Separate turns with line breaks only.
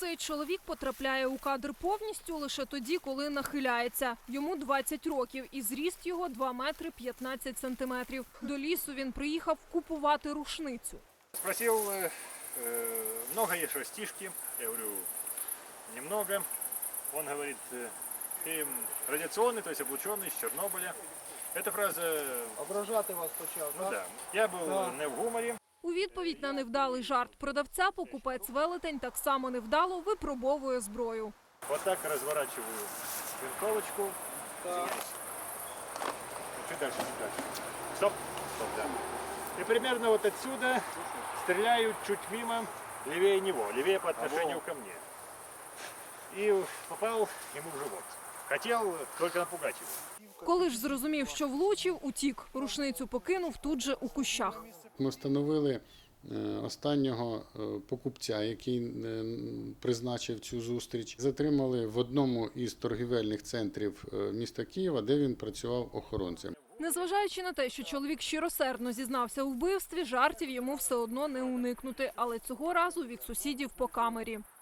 Цей чоловік потрапляє у кадр повністю лише тоді, коли нахиляється. Йому 20 років і зріст його 2 метри 15 сантиметрів. До лісу він приїхав купувати рушницю.
Спросил, много есть растишки? Я говорю, немного. Он говорит, ты радиационный, то есть облученный, с Чернобыля. Эта фраза...
Ображати вас почав,
Ну
так?
да, я был не в гуморе.
У відповідь на невдалий жарт продавця покупець-велетень так само невдало випробовує зброю.
Вот так разворачиваю винтовочку.
Так.
Чуть дальше, чуть дальше. Стоп, стоп, да. И примерно вот отсюда стреляю чуть мимо, левее него, левее по отношению ко мне. И попал ему в живот. Хотел только напугать его.
Коли ж зрозумів, що влучив, утік. Рушницю покинув тут же у кущах.
Ми встановили останнього покупця, який призначив цю зустріч. Затримали в одному із торгівельних центрів міста Києва, де він працював охоронцем.
Незважаючи на те, що чоловік щиросердно зізнався у вбивстві, жартів йому все одно не уникнути. Але цього разу від сусідів по камері.